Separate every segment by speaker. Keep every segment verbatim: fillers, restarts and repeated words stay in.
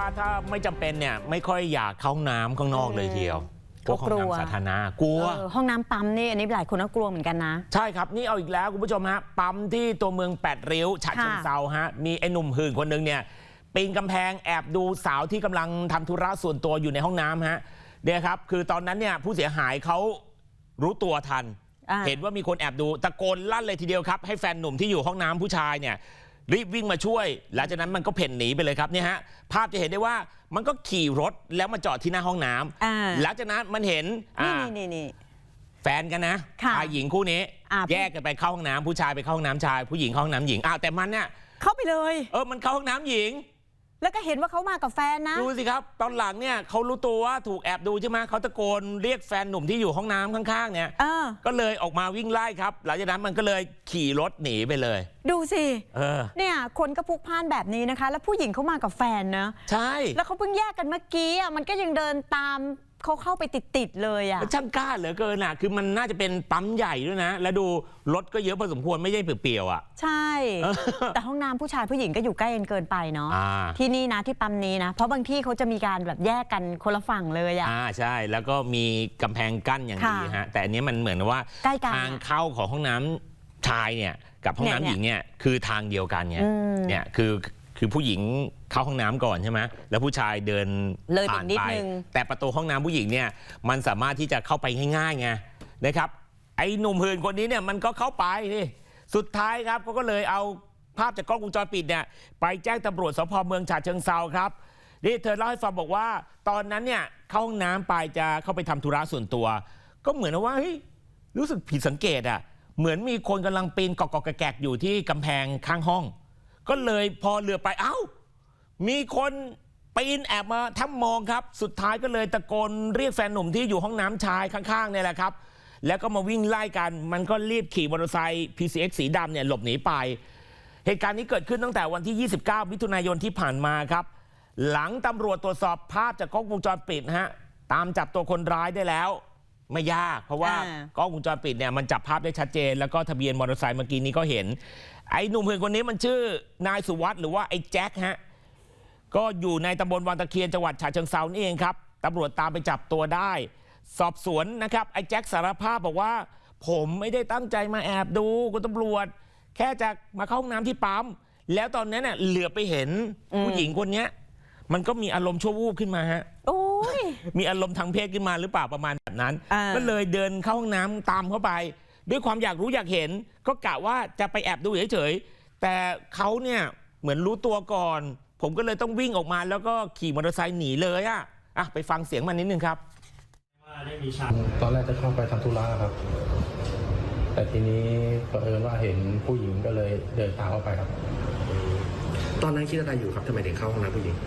Speaker 1: ถ้าไม่จำเป็นเนี่ยไม่ค่อยอยากเข้าห้องน้ำข้างนอกเลยทีเดียวพวกห้องน้ำสาธารณะกลัว
Speaker 2: ห้องน้ำปั๊มนี่อันนี้หลายคนก็กลัวเหมือนกันนะ
Speaker 1: ใช่ครับนี่เอาอีกแล้วคุณผู้ชมฮะปั๊มที่ตัวเมืองแปดริ้วฉะเชิงเทราฮะมีไอ้หนุ่มหื่นคนนึงเนี่ยปีนกำแพงแอบดูสาวที่กำลังทำธุระส่วนตัวอยู่ในห้องน้ำฮะเนี่ยครับคือตอนนั้นเนี่ยผู้เสียหายเขารู้ตัวทันเห็นว่ามีคนแอบดูตะโกนลั่นเลยทีเดียวครับให้แฟนหนุ่มที่อยู่ห้องน้ำผู้ชายเนี่ยรีบวิ่งมาช่วยหลังจากนั้นมันก็เพ่นหนีไปเลยครับเนี่ยฮะภาพจะเห็นได้ว่ามันก็ขี่รถแล้วมาจอดที่หน้าห้องน้ำหลังจากนั้นมันเห็น
Speaker 2: นี่นี่
Speaker 1: แฟนกันนะชายหญิงคู่นี้แยกกันไปเข้าห้องน้ำผู้ชายไปเข้าห้องน้ำชายผู้หญิงเข้าห้องน้ำหญิงอ้าวแต่มันเนี่ย
Speaker 2: เข้าไปเลย
Speaker 1: เออมันเข้าห้องน้ำหญิง
Speaker 2: แล้วก็เห็นว่าเขามากับแฟนนะ
Speaker 1: ดูสิครับตอนหลังเนี่ยเขารู้ตัวว่าถูกแอบดูใช่ไหมเขาตะโกนเรียกแฟนหนุ่มที่อยู่ห้องน้ำข้างๆเนี่ยก็เลยออกมาวิ่งไล่ครับหลังจากนั้นมันก็เลยขี่รถหนีไปเลย
Speaker 2: ดูสิ
Speaker 1: เออ
Speaker 2: เนี่ยคนก็พลุกพล่านแบบนี้นะคะแล้วผู้หญิงเขามากับแฟนนะ
Speaker 1: ใช่
Speaker 2: แล้วเขาเพิ่งแยกกันเมื่อกี้อ่ะมันก็ยังเดินตามเขาเข้าไปติดๆเลยอ่ะ
Speaker 1: ช่างกล้าเหลือเกินอ่ะคือมันน่าจะเป็นปั๊มใหญ่ด้วยนะแล้วดูรถก็เยอะพอสมควรไม่ใช่เปลี่ยวๆอ่ะ
Speaker 2: ใช่แต่ห้องน้ำผู้ชายผู้หญิงก็อยู่ใกล้กันเกินไปเนาะที่นี่นะที่ปั๊มนี้นะเพราะบางที่เขาจะมีการแบบแยกกันคนละฝั่งเลยอ่ะ
Speaker 1: อ่าใช่แล้วก็มีกำแพงกั้นอย่างดีฮะแต่อันนี้มันเหมือนว่าทางเข้าของห้องน้ำชายเนี่ยกับห้องน้ำหญิงเนี่ยคือทางเดียวกันเนี่ยเนี่ยคือคือผู้หญิงเข้าห้องน้ำก่อนใช่ไหมแล้วผู้ชายเดินผ่านไปแต่ประตูห้องน้ำผู้หญิงเนี่ยมันสามารถที่จะเข้าไปง่ายๆไงนะครับไอ้หนุ่มหื่นคนนี้เนี่ยมันก็เข้าไปนี่สุดท้ายครับเขาก็เลยเอาภาพจากกล้องวงจรปิดเนี่ยไปแจ้งตำรวจสพเมืองฉะเชิงเทราครับนี่เธอเล่าให้ฟังบอกว่าตอนนั้นเนี่ยเข้าห้องน้ำไปจะเข้าไปทำธุระส่วนตัวก็เหมือนว่าเฮ้ยรู้สึกผิดสังเกตอ่ะเหมือนมีคนกำลังปีนกอกๆแกกๆอยู่ที่กำแพงข้างห้องก็เลยพอเรือไปเอ้ามีคนปีนแอบมาทำมองครับสุดท้ายก็เลยตะโกนเรียกแฟนหนุ่มที่อยู่ห้องน้ำชายข้างๆเนี่ยแหละครับแล้วก็มาวิ่งไล่กันมันก็รีบขี่มอเตอร์ไซค์ พี ซี เอ็กซ์ สีดำเนี่ยหลบหนีไปเหตุการณ์นี้เกิดขึ้นตั้งแต่วันที่ยี่สิบเก้ามิถุนายนที่ผ่านมาครับหลังตำรวจตรวจสอบภาพจากกล้องวงจรปิดฮะตามจับตัวคนร้ายได้แล้วไม่ยากเพราะว่ากล้องวงจรปิดเนี่ยมันจับภาพได้ชัดเจนแล้วก็ทะเบียนมอเตอร์ไซค์เมื่อกี้นี้ก็เห็นไอ้หนุ่มเพื่อนคนนี้มันชื่อนายสุวัสด์หรือว่าไอ้แจ็คฮะก็อยู่ในตำบลวังตะเคียนจังหวัดฉะเชิงเทรานี่เองครับตำรวจตามไปจับตัวได้สอบสวนนะครับไอ้แจ็คสารภาพบอกว่าผมไม่ได้ตั้งใจมาแอบดูคุณตำรวจแค่จะมาเข้าห้องน้ำที่ปั๊มแล้วตอนนั้นเน่ยเหลือไปเห็นผู้หญิงคนนี้มันก็มีอารมณ์ชั่ววูบขึ้นมาฮะ
Speaker 2: โอ้ย
Speaker 1: มีอารมณ์ทางเพศขึ้นมาหรือเปล่าประมาณแบบนั้นก็เลยเดินเข้าห้องน้ำตามเข้าไปด้วยความอยากรู้อยากเห็นก็กะว่าจะไปแอบดูเฉยๆแต่เขาเนี่ยเหมือนรู้ตัวก่อนผมก็เลยต้องวิ่งออกมาแล้วก็ขี่มอเตอร์ไซค์หนีเลยอ่ะอ่ะไปฟังเสียงมันนิดนึงครับ
Speaker 3: ตอนแรกจะเข้าไปทำธุระครับแต่ทีนี้เผอิญว่าเห็นผู้หญิงก็เลยเดินตามเข้าไปครับ
Speaker 4: ตอนนั้นคิดอะไรอยู่ครับทำไมถึงเข้าห้องน้ำผู้หญิง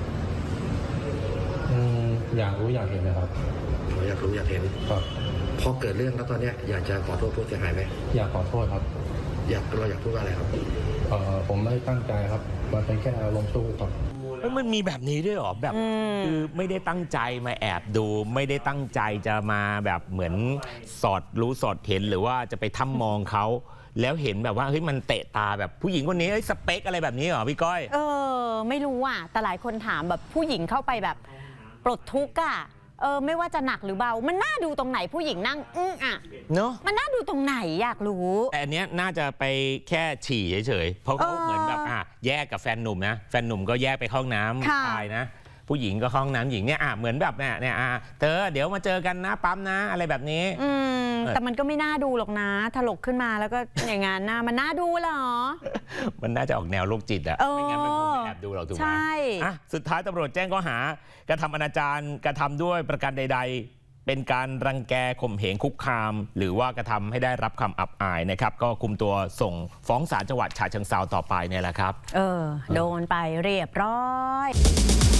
Speaker 3: อยากรู้อยากเห็นนะครับ
Speaker 4: อยากรู้อยากเห็น
Speaker 3: ครับ
Speaker 4: พอเกิดเรื่องแล้วตอนนี้อยากจะขอโทษผู้เสียหายไหม
Speaker 3: อยากขอโทษครับ
Speaker 4: อยากเราอยากพูดว่าอะไรครับ
Speaker 3: เอ่อผมไม่ตั้งใจครับมันเป็นแค่อารมณ์ชั่ววูบครับ
Speaker 1: มันมีแบบนี้ด้วยหรอแบบคือไม่ได้ตั้งใจมาแอบดูไม่ได้ตั้งใจจะมาแบบเหมือนสอดรู้สอดเห็นหรือว่าจะไปทำมองเขาแล้วเห็นแบบว่าเฮ้ยมันเตะตาแบบผู้หญิงคนนี้สเปคอะไรแบบนี้เหรอพี่ก้อย
Speaker 2: เออไม่รู้อ่ะแต่หลายคนถามแบบผู้หญิงเข้าไปแบบปลดทุกข์อ่ะเออไม่ว่าจะหนักหรือเบามันน่าดูตรงไหนผู้หญิงนั่งอื้ออ่ะ
Speaker 1: เนาะ
Speaker 2: มันน่าดูตรงไหนอยากรู้
Speaker 1: แต่อันเนี้ยน่าจะไปแค่ฉี่เฉยๆเพราะเขาเหมือนแบบอ่ะแยกกับแฟนหนุ่มนะแฟนหนุ่มก็แยกไปเข้าห้องน้ำชายนะผู้หญิงก็เข้าห้องน้ำหญิงเนี่ยอ่ะเหมือนแบบเนี่ยเนี่ยอ่ะเธอเดี๋ยวมาเจอกันนะปั๊มนะอะไรแบบนี้
Speaker 2: อืมแต่มันก็ไม่น่าดูหรอกนะถลกขึ้นมาแล้วก็อย่างงั้นนะมันน่าดูเหรอ
Speaker 1: มันน่าจะออกแนวโรคจิตอะไม่งั้นมันคงไม่แอบดูหรอกถูกไหมใช่อ่ะสุดท้ายตำรวจแจ้งข้อหากระทำอนาจารกระทำด้วยประการใดๆเป็นการรังแกข่มเหงคุกคามหรือว่ากระทำให้ได้รับคำอับอายนะครับก็คุมตัวส่งฟ้องศาลจังหวัดฉะเชิงเทราต่อไปเนี่ยแหละครับ
Speaker 2: เออโดนไปเรียบร้อย